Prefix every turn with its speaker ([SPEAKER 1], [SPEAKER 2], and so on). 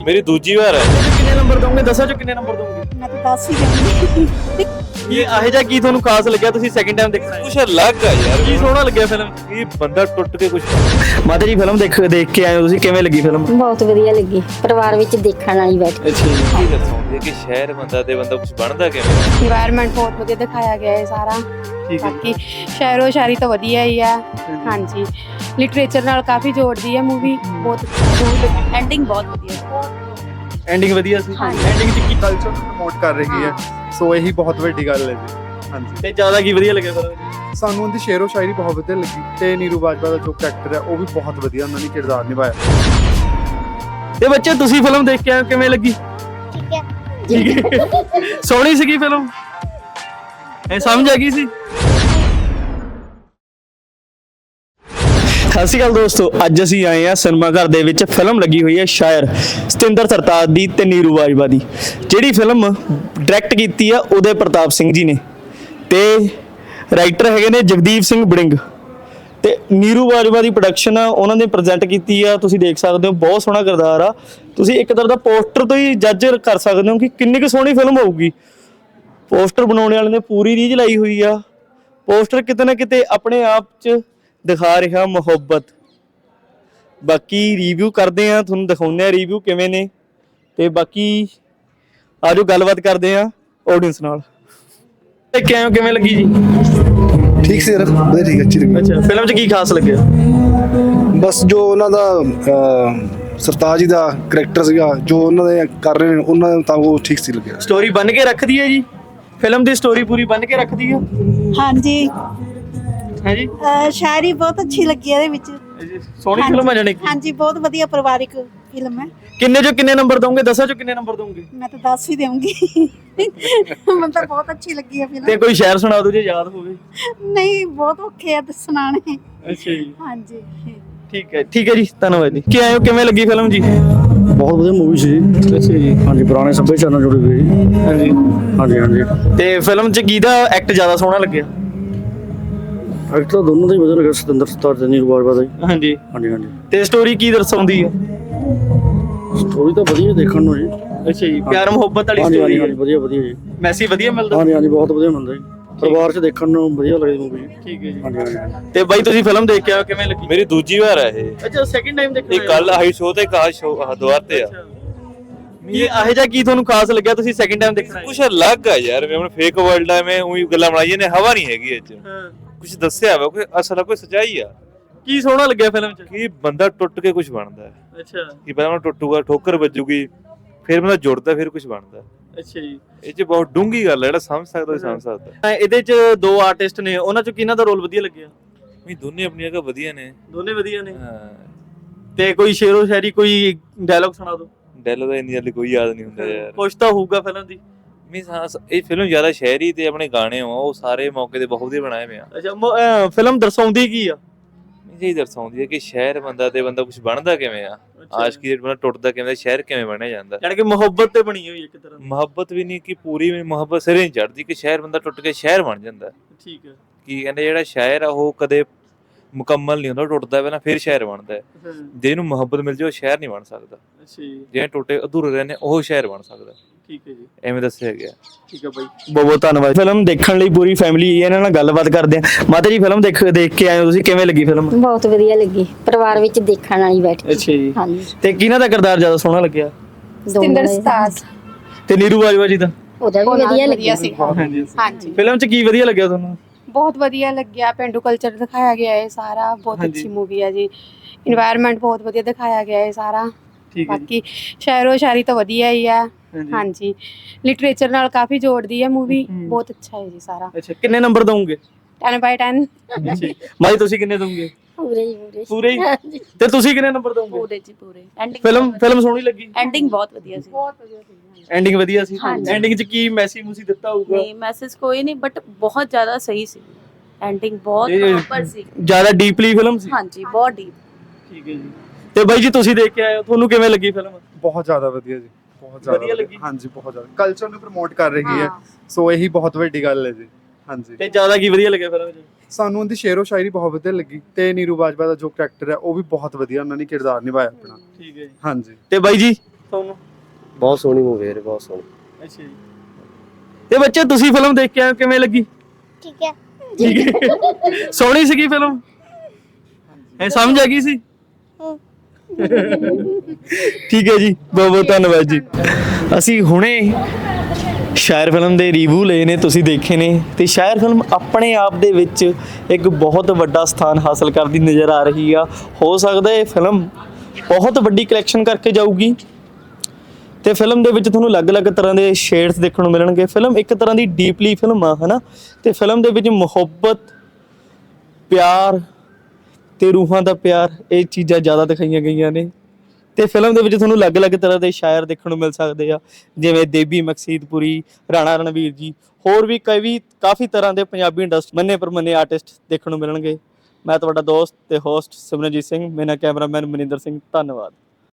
[SPEAKER 1] मेरी दूजी बार है।
[SPEAKER 2] कितने नंबर दोगे? 10 चो कितने नंबर दोगे?
[SPEAKER 3] मैं तो 10 ही दूंगी।
[SPEAKER 2] ये ਇਹੋ ਜਿਹਾ ਕੀ ਤੁਹਾਨੂੰ ਖਾਸ ਲੱਗਿਆ ਤੁਸੀਂ ਸੈਕਿੰਡ ਟਾਈਮ ਦੇਖਣਾ
[SPEAKER 1] कुछ अलग है यार।
[SPEAKER 2] ਕੀ ਸੋਹਣਾ ਲੱਗਿਆ ਫਿਲਮ
[SPEAKER 1] ये बंदा टुट के कुछ
[SPEAKER 2] ਮਾਤਾ ਜੀ ਫਿਲਮ ਦੇਖ ਕੇ ਆਏ ਹੋ ਤੁਸੀਂ ਕਿਵੇਂ ਲੱਗੀ ਫਿਲਮ
[SPEAKER 3] ਬਹੁਤ ਵਧੀਆ ਲੱਗੀ ਪਰਿਵਾਰ ਵਿੱਚ ਦੇਖਣ ਵਾਲੀ ਬੈਠ
[SPEAKER 2] ਅੱਛਾ ਜੀ
[SPEAKER 1] ਕੀ ਦੱਸੋਗੇ ਕਿ ਸ਼ਹਿਰ ਬੰਦਾ ਤੇ ਬੰਦਾ ਕੁਝ ਬਣਦਾ ਕਿਵੇਂ?
[SPEAKER 4] ਇਨਵਾਇਰਨਮੈਂਟ ਬਹੁਤ ਵਧੀਆ ਦਿਖਾਇਆ ਗਿਆ ਹੈ ਸਾਰਾ।
[SPEAKER 2] ਠੀਕ ਹੈ
[SPEAKER 4] ਬਾਕੀ ਸ਼ਾਇਰੋ ਸ਼ਾਇਰੀ ਤਾਂ ਵਧੀਆ ਹੀ ਆ। ਹਾਂਜੀ, ਲਿਟਰੇਚਰ ਨਾਲ ਕਾਫੀ ਜੋੜਦੀ ਹੈ ਮੂਵੀ। ਬਹੁਤ ਐਂਡਿੰਗ ਬਹੁਤ ਵਧੀਆ।
[SPEAKER 2] ਐਂਡਿੰਗ ਵਧੀਆ ਸੀ
[SPEAKER 4] ਹਾਂਜੀ।
[SPEAKER 2] ਐਂਡਿੰਗ ਚ ਕੀ
[SPEAKER 5] ਕਲਚਰ ਨੂੰ ਪ੍ਰਮੋਟ ਕਰ ਰਹੀ ਹੈ, ਸੋ ਇਹੀ ਬਹੁਤ ਵੱਡੀ ਗੱਲ ਹੈ ਜੀ। ਹਾਂਜੀ,
[SPEAKER 2] ਤੇ ਜ਼ਿਆਦਾ ਕੀ ਵਧੀਆ ਲੱਗਿਆ ਫਿਲਮ
[SPEAKER 5] ਸਾਨੂੰ ਉਹਦੀ ਸ਼ੇਰੋ ਸ਼ਾਇਰੀ ਬਹੁਤ ਵਧੀਆ ਲੱਗੀ ਤੇ ਨੀਰੂ ਬਾਜਵਾ ਦਾ ਜੋ ਕੈਰੈਕਟਰ ਹੈ ਉਹ ਵੀ ਬਹੁਤ ਵਧੀਆ ਉਹਨਾਂ ਨੇ ਕਿਰਦਾਰ ਨਿਭਾਇਆ।
[SPEAKER 2] ਤੇ ਬੱਚੇ ਤੁਸੀਂ ਫਿਲਮ ਦੇਖ ਕੇ ਆਏ ਹੋ, ਕਿਵੇਂ ਲੱਗੀ
[SPEAKER 3] ਠੀਕ ਹੈ
[SPEAKER 2] ਸੋਹਣੀ ਸੀਗੀ ਫਿਲਮ ਇਹ ਸਮਝ ਆ ਗਈ ਸੀ ਸਤਿ ਸ਼੍ਰੀ ਅਕਾਲ ਦੋਸਤੋ ਅੱਜ ਅਸੀਂ ਆਏ ਆ ਸਿਨੇਮਾ ਘਰ ਦੇ ਵਿੱਚ ਫਿਲਮ ਲੱਗੀ ਹੋਈ ਹੈ ਸ਼ਾਇਰ ਸਤਿੰਦਰ ਸਰਤਾਜ ਦੀ ਤੇ ਨੀਰੂ ਬਾਜਵਾ ਦੀ ਜਿਹੜੀ ਫਿਲਮ ਡਾਇਰੈਕਟ ਕੀਤੀ ਆ ਉਦੈ ਪ੍ਰਤਾਪ ਸਿੰਘ ਜੀ ਨੇ ਤੇ ਰਾਈਟਰ ਹੈਗੇ ਨੇ ਜਗਦੀਪ ਸਿੰਘ ਬੜਿੰਗ ਤੇ ਨੀਰੂ ਬਾਜਵਾ ਦੀ ਪ੍ਰੋਡਕਸ਼ਨ ਉਹਨਾਂ ਨੇ ਪ੍ਰੈਜ਼ੈਂਟ ਕੀਤੀ ਆ ਤੁਸੀਂ ਦੇਖ ਸਕਦੇ ਹੋ ਬਹੁਤ ਸੋਹਣਾ ਕਿਰਦਾਰ ਆ ਤੁਸੀਂ ਇੱਕ ਤਰ੍ਹਾਂ ਦਾ ਪੋਸਟਰ ਤੋਂ ਹੀ ਜੱਜ ਕਰ ਸਕਦੇ ਹੋ ਕਿ ਕਿੰਨੀ ਕੁ ਸੋਹਣੀ ਫਿਲਮ ਹੋਊਗੀ ਪੋਸਟਰ ਬਣਾਉਣ ਵਾਲੇ ਨੇ ਪੂਰੀ ਰੀਝ ਲਾਈ ਹੋਈ ਆ ਪੋਸਟਰ ਕਿਤੇ ਨਾ ਕਿਤੇ ਆਪਣੇ ਆਪ 'ਚ ਦਿਖਾ ਰਿਹਾ ਮੁਹੱਬਤ ਬਾਕੀ ਰਿਵਿਊ ਕਰਦੇ ਆ ਤੁਹਾਨੂੰ ਦਿਖਾਉਂਦੇ ਆ ਰਿਵਿਊ ਕਿਵੇਂ ਨੇ ਤੇ ਬਾਕੀ ਆਜੋ ਗੱਲਬਾਤ ਕਰਦੇ ਆ ਆਡੀਅנס ਨਾਲ ਤੇ ਕਿਵੇਂ ਲੱਗੀ ਜੀ
[SPEAKER 6] ਠੀਕ ਸੀ ਯਾਰ ਵਧੀਆ ਠੀਕ ਅੱਛੀ ਲੱਗੀ
[SPEAKER 2] ਅੱਛਾ ਫਿਲਮ 'ਚ ਕੀ ਖਾਸ ਲੱਗਿਆ
[SPEAKER 6] ਬਸ ਜੋ ਉਹਨਾਂ ਦਾ ਸਰਤਾਜ ਜੀ ਦਾ ਕਰੈਕਟਰ ਸੀਗਾ ਜੋ ਉਹਨਾਂ ਦੇ ਕਰ ਰਹੇ ਨੇ ਉਹਨਾਂ ਦਾ ਤਾਂ ਉਹ ਠੀਕ ਸੀ ਲੱਗਿਆ
[SPEAKER 2] ਸਟੋਰੀ ਬਣ ਕੇ ਰੱਖਦੀ ਹੈ ਜੀ ਫਿਲਮ ਦੀ ਸਟੋਰੀ ਪੂਰੀ ਬਣ ਕੇ ਰੱਖਦੀ ਹੈ
[SPEAKER 3] ਹਾਂਜੀ
[SPEAKER 2] ਹੈ ਜੀ
[SPEAKER 3] ਸ਼ਾਇਰੀ ਬਹੁਤ ਅੱਛੀ ਲੱਗੀ ਇਹਦੇ ਵਿੱਚ
[SPEAKER 2] ਸੋਹਣੀ ਫਿਲਮ ਆ ਜਾਣੀ
[SPEAKER 3] ਹਾਂਜੀ ਬਹੁਤ ਵਧੀਆ ਪਰਿਵਾਰਿਕ ਫਿਲਮ ਹੈ
[SPEAKER 2] ਕਿੰਨੇ ਚੋਂ ਕਿੰਨੇ ਨੰਬਰ ਦੋਗੇ 10 ਚੋਂ ਕਿੰਨੇ ਨੰਬਰ ਦੋਗੇ
[SPEAKER 3] ਮੈਂ ਤਾਂ 10 ਹੀ ਦੇਵਾਂਗੀ ਮੈਨੂੰ ਤਾਂ ਬਹੁਤ ਅੱਛੀ ਲੱਗੀ ਹੈ
[SPEAKER 2] ਤੇ
[SPEAKER 3] ਫਿਲਮ
[SPEAKER 2] ਕੋਈ ਸ਼ਾਇਰ ਸੁਣਾ ਦਿਓ ਜੇ ਯਾਦ ਹੋਵੇ
[SPEAKER 3] ਨਹੀਂ ਬਹੁਤ ਔਖੇ ਆ ਸੁਣਾਣੇ
[SPEAKER 2] ਅੱਛਾ ਜੀ
[SPEAKER 3] ਹਾਂਜੀ
[SPEAKER 2] ਠੀਕ ਹੈ ਜੀ ਧੰਨਵਾਦ ਜੀ ਕੀ ਆਇਓ ਕਿਵੇਂ ਲੱਗੀ ਫਿਲਮ ਜੀ
[SPEAKER 6] ਬਹੁਤ ਵਧੀਆ ਮੂਵੀ ਸੀ
[SPEAKER 2] ਅੱਛਾ ਜੀ
[SPEAKER 6] ਹਾਂਜੀ ਪੁਰਾਣੇ ਸੱਭਿਆਚਾਰ ਨਾਲ ਜੁੜੀ ਹੋਈ
[SPEAKER 2] ਹਾਂਜੀ
[SPEAKER 6] ਹਾਂਜੀ ਹਾਂਜੀ
[SPEAKER 2] ਤੇ ਫਿਲਮ 'ਚ ਕਿਹਦਾ ਐਕਟ ਜ਼ਿਆਦਾ ਸੋਹਣਾ ਲੱਗਿਆ
[SPEAKER 6] ਐਕਟਰ ਦੋਨੋਂ ਦਾ ਹੀ ਵਧੀਆ ਲੱਗਿਆ ਸਤਿੰਦਰ ਸਰਤਾਜ ਤੇ ਨੀਰੂ ਬਾਜਵਾ ਦਾ ਹੀ
[SPEAKER 2] ਹਾਂਜੀ
[SPEAKER 6] ਹਾਂਜੀ ਹਾਂਜੀ
[SPEAKER 2] ਤੇ ਸਟੋਰੀ ਕੀ ਦਰਸਾਉਂਦੀ ਹੈ
[SPEAKER 6] ਸਟੋਰੀ ਤਾਂ ਵਧੀਆ ਦੇਖਣ ਨੂੰ ਜੀ
[SPEAKER 2] ਅੱਛਾ ਜੀ ਪਿਆਰ ਮੁਹੱਬਤ ਵਾਲੀ
[SPEAKER 6] ਹਾਂਜੀ
[SPEAKER 2] ਸਟੋਰੀ
[SPEAKER 6] ਹਾਂਜੀ
[SPEAKER 2] ਹੈ
[SPEAKER 6] ਵਧੀਆ ਵਧੀਆ ਜੀ
[SPEAKER 2] ਮੈਸੇਜ ਵਧੀਆ ਮਿਲਦਾ
[SPEAKER 6] ਹਾਂਜੀ ਹਾਂਜੀ ਬਹੁਤ ਵਧੀਆ ਮਿਲਦਾ ਜੀ ਪਰਿਵਾਰ 'ਚ ਦੇਖਣ ਨੂੰ ਵਧੀਆ ਲੱਗਦੀ ਮੂਵੀ
[SPEAKER 2] ਠੀਕ ਹੈ ਜੀ
[SPEAKER 6] ਹਾਂਜੀ ਹਾਂਜੀ
[SPEAKER 2] ਤੇ ਬਾਈ ਤੁਸੀਂ ਫਿਲਮ ਦੇਖ ਕੇ ਆਇਓ ਕਿਵੇਂ ਲੱਗੀ
[SPEAKER 1] ਮੇਰੀ ਦੂਜੀ ਵਾਰ ਹੈ ਇਹ।
[SPEAKER 2] ਅੱਛਾ ਸੈਕਿੰਡ ਟਾਈਮ ਦੇਖਣਾ
[SPEAKER 1] ਇਹ ਕੱਲ ਆਈ ਸ਼ੋਅ ਤੇ ਕਾ ਸ਼ੋਅ ਦੁਆਰ ਤੇ ਆ।
[SPEAKER 2] ਇਹ ਇਹੋ ਜਿਹਾ ਕੀ ਤੁਹਾਨੂੰ ਖਾਸ ਲੱਗਿਆ ਤੁਸੀਂ ਸੈਕਿੰਡ ਟਾਈਮ ਦੇਖਣਾ
[SPEAKER 1] ਕੁਝ ਅਲੱਗ ਹੈ ਯਾਰ ਮੈਂ ਫੇਕ ਵਰਲਡ ਹੈ ਮੈਂ ਉਹੀ ਗੱਲਾਂ ਬਣਾਈਆਂ ਨੇ ਹਵਾ ਨਹੀਂ ਹੈਗੀ ਇਹ ਚ
[SPEAKER 2] ਹਾਂ
[SPEAKER 1] ਕੁਝ ਦੱਸਿਆ ਵਾ ਕੋਈ ਅਸਲ ਕੋਈ ਸੱਚਾਈ ਆ
[SPEAKER 2] ਕੀ ਸੋਹਣਾ ਲੱਗਿਆ ਫਿਲਮ 'ਚ
[SPEAKER 1] ਕਿ ਬੰਦਾ ਟੁੱਟ ਕੇ ਕੁਝ ਬਣਦਾ ਹੈ
[SPEAKER 2] ਅੱਛਾ
[SPEAKER 1] ਕਿ ਪਹਿਲਾਂ ਟੁੱਟੂਗਾ ਠੋਕਰ ਵੱਜੂਗੀ ਫਿਰ ਬੰਦਾ ਜੁੜਦਾ ਫਿਰ ਕੁਝ ਬਣਦਾ
[SPEAKER 2] ਅੱਛਾ ਜੀ
[SPEAKER 1] ਇਹ ਚ ਬਹੁਤ ਡੂੰਗੀ ਗੱਲ ਹੈ ਜਿਹੜਾ ਸਮਝ ਸਕਦਾ ਉਹ ਸਮਝ ਸਕਦਾ
[SPEAKER 2] ਇਹਦੇ 'ਚ ਦੋ ਆਰਟਿਸਟ ਨੇ ਉਹਨਾਂ 'ਚੋਂ ਕਿਹਨਾਂ ਦਾ ਰੋਲ ਵਧੀਆ ਲੱਗਿਆ
[SPEAKER 1] ਵੀ ਦੋਨੇ ਆਪਣੀਆਂ ਜਗ੍ਹਾ ਵਧੀਆ ਨੇ।
[SPEAKER 2] ਦੋਨੇ ਵਧੀਆ ਨੇ
[SPEAKER 1] ਹਾਂ
[SPEAKER 2] ਤੇ ਕੋਈ ਸ਼ੇਰੋ ਸ਼ਾਇਰੀ ਕੋਈ ਡਾਇਲੌਗ ਸੁਣਾ ਦਿਓ
[SPEAKER 1] ਡੈਲੋ ਦਾ ਇੰਨੀ ਜਲਦੀ ਕੋਈ ਯਾਦ ਨਹੀਂ ਹੁੰਦਾ ਯਾਰ
[SPEAKER 2] ਕੁਛ ਤਾਂ ਹੋਊਗਾ ਫਿਲਮ ਦੀ
[SPEAKER 1] ਮੀਨਸ ਹਾਂ ਇਹ ਫਿਲਮ ਜ਼ਿਆਦਾ ਸ਼ਹਿਰੀ ਤੇ ਆਪਣੇ ਗਾਣੇ ਆ ਉਹ ਸਾਰੇ ਮੌਕੇ ਤੇ ਬਹੁਤ ਵਧੀਆ ਬਣਾਏ ਹੋਏ ਆ
[SPEAKER 2] ਅੱਛਾ ਫਿਲਮ ਦਰਸਾਉਂਦੀ ਕੀ ਆ
[SPEAKER 1] ਮੀਨਸ ਇਹ ਦਰਸਾਉਂਦੀ ਹੈ ਕਿ ਸ਼ਹਿਰ ਬੰਦਾ ਤੇ ਬੰਦਾ ਕੁਝ ਬਣਦਾ ਕਿਵੇਂ ਆ ਆਸ਼ਕੀ ਦੇ ਬੰਦਾ ਟੁੱਟਦਾ ਕਿਵੇਂ ਸ਼ਹਿਰ ਕਿਵੇਂ ਬਣਿਆ ਜਾਂਦਾ
[SPEAKER 2] ਯਾਨੀ ਕਿ ਮੁਹੱਬਤ ਤੇ ਬਣੀ ਹੋਈ ਇੱਕ ਤਰ੍ਹਾਂ ਦੀ
[SPEAKER 1] ਮੁਹੱਬਤ ਵੀ ਨਹੀਂ ਕਿ ਪੂਰੀ ਮੁਹੱਬਤ ਸਿਰੇ ਨਹੀਂ ਚੜਦੀ ਕਿ ਸ਼ਹਿਰ ਬੰਦਾ ਟੁੱਟ ਕੇ ਸ਼ਹਿਰ ਬਣ ਜਾਂਦਾ
[SPEAKER 2] ਠੀਕ ਹੈ
[SPEAKER 1] ਕੀ ਕਹਿੰਦੇ ਜਿਹੜਾ ਸ਼ਾਇਰ ਆ ਉਹ ਕਦੇ ਮੁਕੰਮਲ ਨਹੀਂ ਹੁੰਦਾ ਟੁੱਟਦਾ ਪਹਿਲਾਂ ਫਿਰ ਸ਼ਾਇਰ ਬਣਦਾ ਹੈ ਜੇ ਇਹਨੂੰ ਮੁਹੱਬਤ ਮਿਲ ਜਾਏ ਉਹ ਸ਼ਾਇਰ ਨਹੀਂ ਬਣ ਸਕਦਾ
[SPEAKER 2] ਅੱਛਾ ਜੀ
[SPEAKER 1] ਜਿਹੜੇ ਟੁੱਟੇ ਅਧੂਰੇ ਰਹੇ ਨੇ ਉਹ ਸ਼ਾਇਰ ਬਣ ਸਕਦਾ
[SPEAKER 2] ਠੀਕ ਹੈ ਜੀ
[SPEAKER 1] ਐਵੇਂ ਦੱਸਿਆ ਗਿਆ
[SPEAKER 2] ਠੀਕ ਹੈ ਬਾਈ ਬਹੁਤ ਬਹੁਤ ਧੰਨਵਾਦ ਫਿਲਮ ਦੇਖਣ ਲਈ ਪੂਰੀ ਫੈਮਿਲੀ ਇਹਨਾਂ ਨਾਲ ਗੱਲਬਾਤ ਕਰਦੇ ਆ ਮਾਤਾ ਜੀ ਫਿਲਮ ਦੇਖ ਕੇ ਆਏ ਹੋ ਤੁਸੀਂ ਕਿਵੇਂ ਲੱਗੀ ਫਿਲਮ
[SPEAKER 3] ਬਹੁਤ ਵਧੀਆ ਲੱਗੀ ਪਰਿਵਾਰ ਵਿੱਚ ਦੇਖਣ ਵਾਲੀ ਬੈਠ
[SPEAKER 2] ਅੱਛਾ ਜੀ
[SPEAKER 3] ਹਾਂਜੀ
[SPEAKER 2] ਤੇ ਕਿਹਨਾਂ ਦਾ ਕਿਰਦਾਰ ਜ਼ਿਆਦਾ ਸੋਹਣਾ ਲੱਗਿਆ
[SPEAKER 4] ਸਤਿੰਦਰ ਸਰਤਾਜ
[SPEAKER 2] ਤੇ ਨੀਰੂ ਬਾਜਵਾ ਜੀ ਦਾ
[SPEAKER 3] ਉਹਦਾ ਵੀ ਵਧੀਆ ਲੱਗਿਆ
[SPEAKER 4] ਸੀ।
[SPEAKER 2] ਹਾਂਜੀ
[SPEAKER 4] ਹਾਂਜੀ
[SPEAKER 2] ਫਿਲਮ 'ਚ ਕੀ ਵਧੀਆ ਲੱਗਿਆ ਤੁਹਾਨੂੰ
[SPEAKER 4] ਬਹੁਤ ਵਧੀਆ ਲੱਗਿਆ। ਪਿੰਡੂ ਕਲਚਰ ਦਿਖਾਇਆ ਗਿਆ ਹੈ ਸਾਰਾ। ਬਹੁਤ
[SPEAKER 2] ਹਾਂਜੀ।
[SPEAKER 4] ਅੱਛੀ ਮੂਵੀ ਹੈ ਜੀ। ਇਨਵਾਇਰਨਮੈਂਟ ਬਹੁਤ ਵਧੀਆ ਦਿਖਾਇਆ ਗਿਆ ਹੈ ਸਾਰਾ।
[SPEAKER 2] ਠੀਕ ਹੈ ਜੀ
[SPEAKER 4] ਬਾਕੀ ਸ਼ਾਇਰੋ ਸ਼ਾਇਰੀ ਤਾਂ ਵਧੀਆ ਹੀ ਆ।
[SPEAKER 2] ਹਾਂਜੀ।
[SPEAKER 4] ਹਾਂਜੀ, ਲਿਟਰੇਚਰ ਨਾਲ ਕਾਫੀ ਜੋੜਦੀ ਹੈ ਮੂਵੀ। ਬਹੁਤ ਅੱਛਾ ਹੈ ਜੀ ਸਾਰਾ।
[SPEAKER 2] ਅੱਛਾ ਕਿੰਨੇ ਨੰਬਰ ਦਵੋਗੇ
[SPEAKER 4] 10/10
[SPEAKER 2] ਅੱਛਾ ਮਾਈ ਤੁਸੀਂ ਕਿੰਨੇ ਦੋਗੇ
[SPEAKER 3] ਪੂਰੇ
[SPEAKER 2] ਪੂਰੇ ਹੀ ਤੇ ਤੁਸੀਂ ਕਿੰਨੇ ਨੰਬਰ ਦੋਗੇ
[SPEAKER 3] ਪੂਰੇ ਜੀ ਪੂਰੇ
[SPEAKER 2] ਫਿਲਮ ਸੋਹਣੀ ਲੱਗੀ
[SPEAKER 7] ਐਂਡਿੰਗ ਬਹੁਤ ਵਧੀਆ ਸੀ।
[SPEAKER 2] ਐਂਡਿੰਗ ਵਧੀਆ ਸੀ
[SPEAKER 7] ਹਾਂਜੀ।
[SPEAKER 2] ਐਂਡਿੰਗ 'ਚ ਕੀ ਮੈਸੇਜ ਮੂਸੀ ਦਿੱਤਾ ਹੋਊਗਾ
[SPEAKER 7] ਨਹੀਂ ਮੈਸੇਜ ਕੋਈ ਨਹੀਂ ਬਟ ਬਹੁਤ ਜ਼ਿਆਦਾ ਸਹੀ ਸੀ। ਐਂਡਿੰਗ ਬਹੁਤ
[SPEAKER 2] ਇਹ-
[SPEAKER 7] ਪ੍ਰੋਪਰ ਸੀ।
[SPEAKER 2] ਜ਼ਿਆਦਾ ਡੀਪਲੀ ਫਿਲਮ ਸੀ
[SPEAKER 7] ਹਾਂਜੀ ਬਹੁਤ ਡੀਪ।
[SPEAKER 2] ਠੀਕ ਹੈ ਜੀ ਤੇ ਬਾਈ ਜੀ ਤੁਸੀਂ ਦੇਖ ਕੇ ਆਏ ਹੋ ਤੁਹਾਨੂੰ ਕਿਵੇਂ ਲੱਗੀ ਫਿਲਮ
[SPEAKER 5] ਬਹੁਤ ਜ਼ਿਆਦਾ ਵਧੀਆ ਜੀ, ਬਹੁਤ
[SPEAKER 2] ਵਧੀਆ
[SPEAKER 5] ਜ਼ਿਆਦਾ
[SPEAKER 2] ਲੱਗੀ?
[SPEAKER 5] ਹਾਂਜੀ ਬਹੁਤ ਜ਼ਿਆਦਾ ਕਲਚਰ ਨੂੰ ਪ੍ਰਮੋਟ ਕਰ ਰਹੀ ਹੈ, ਸੋ ਇਹੀ ਬਹੁਤ ਵੱਡੀ ਗੱਲ ਹੈ ਜੀ। ਹਾਂਜੀ,
[SPEAKER 2] ਤੇ ਜ਼ਿਆਦਾ ਕੀ ਵਧੀਆ ਲੱਗਿਆ ਫਿਲਮ 'ਚ
[SPEAKER 5] ਸਾਨੂੰ ਉਹਦੀ ਸ਼ੇਰੋ ਸ਼ਾਇਰੀ ਬਹੁਤ ਵਧੀਆ ਲੱਗੀ ਤੇ ਨੀਰੂ ਬਾਜਵਾ ਦਾ ਜੋ ਕੈਰੈਕਟਰ ਹੈ ਉਹ ਵੀ ਬਹੁਤ ਵਧੀਆ ਉਹਨਾਂ ਨੇ ਕਿਰਦਾਰ ਨਿਭਾਇਆ ਆਪਣਾ।
[SPEAKER 2] ਠੀਕ ਹੈ ਜੀ
[SPEAKER 5] ਹਾਂਜੀ,
[SPEAKER 2] ਤੇ ਬਾਈ ਜੀ ਤੁਹਾਨੂੰ?
[SPEAKER 8] ਬਹੁਤ ਸੋਹਣੀ ਮੂਵੀ ਹੈ, ਬਹੁਤ ਸੋਹਣੀ।
[SPEAKER 2] ਅੱਛਾ ਜੀ। ਤੇ ਬੱਚੇ ਤੁਸੀਂ ਫਿਲਮ ਦੇਖ ਕੇ ਆਏ ਹੋ, ਕਿਵੇਂ ਲੱਗੀ?
[SPEAKER 3] ਠੀਕ ਹੈ
[SPEAKER 2] ਠੀਕ ਹੈ। ਸੋਹਣੀ ਸੀਗੀ ਫਿਲਮ? ਇਹ ਸਮਝ ਆ ਗਈ ਸੀ? ਠੀਕ ਹੈ ਜੀ, ਬਹੁਤ ਬਹੁਤ ਧੰਨਵਾਦ ਜੀ। ਅਸੀਂ ਹੁਣੇ ਸ਼ਾਇਰ ਫਿਲਮ ਦੇ ਰਿਵਿਊ ਲਏ ਨੇ, ਤੁਸੀਂ ਦੇਖੇ ਨੇ, ਤੇ ਸ਼ਾਇਰ ਫਿਲਮ ਆਪਣੇ ਆਪ ਦੇ ਵਿੱਚ ਇੱਕ ਬਹੁਤ ਵੱਡਾ ਸਥਾਨ ਹਾਸਲ ਕਰਦੀ ਨਜ਼ਰ ਆ ਰਹੀ ਆ। ਹੋ ਸਕਦਾ ਇਹ ਫਿਲਮ ਬਹੁਤ ਵੱਡੀ ਕਲੈਕਸ਼ਨ ਕਰਕੇ ਜਾਊਗੀ ਤੇ ਫਿਲਮ ਦੇ ਵਿੱਚ ਤੁਹਾਨੂੰ ਅਲੱਗ-ਅਲੱਗ ਤਰ੍ਹਾਂ ਦੇ ਸ਼ੇਡਸ ਦੇਖਣ ਨੂੰ ਮਿਲਣਗੇ। ਫਿਲਮ ਇੱਕ ਤਰ੍ਹਾਂ ਦੀ ਡੀਪਲੀ ਫਿਲਮ ਆ, ਹਨਾ, ਤੇ ਫਿਲਮ ਦੇ ਵਿੱਚ ਮੁਹੱਬਤ, ਪਿਆਰ ਤੇ ਰੂਹਾਂ ਦਾ ਪਿਆਰ, ਇਹ ਚੀਜ਼ਾਂ ਜ਼ਿਆਦਾ ਦਿਖਾਈਆਂ ਗਈਆਂ ਨੇ। ਤੇ ਫਿਲਮ ਦੇ ਵਿੱਚ ਤੁਹਾਨੂੰ ਅਲੱਗ-ਅਲੱਗ ਤਰ੍ਹਾਂ ਦੇ ਸ਼ਾਇਰ ਦੇਖਣ ਨੂੰ ਮਿਲ ਸਕਦੇ ਆ, ਜਿਵੇਂ ਦੇਬੀ ਮਕਸੀਦਪੁਰੀ, ਰਾਣਾ ਰਣਵੀਰ ਜੀ, ਹੋਰ ਵੀ ਕਾਫੀ ਤਰ੍ਹਾਂ ਦੇ ਪੰਜਾਬੀ ਇੰਡਸਟਰੀ ਮੰਨੇ ਪ੍ਰਮੰਨੇ ਆਰਟਿਸਟ ਦੇਖਣ ਨੂੰ ਮਿਲਣਗੇ। ਮੈਂ ਤੁਹਾਡਾ ਦੋਸਤ ਤੇ ਹੋਸਟ ਸਿਮਰਨਜੀਤ ਸਿੰਘ, ਮੇਰਾ ਕੈਮਰਾਮੈਨ ਮਨਿੰਦਰ ਸਿੰਘ, ਧੰਨਵਾਦ।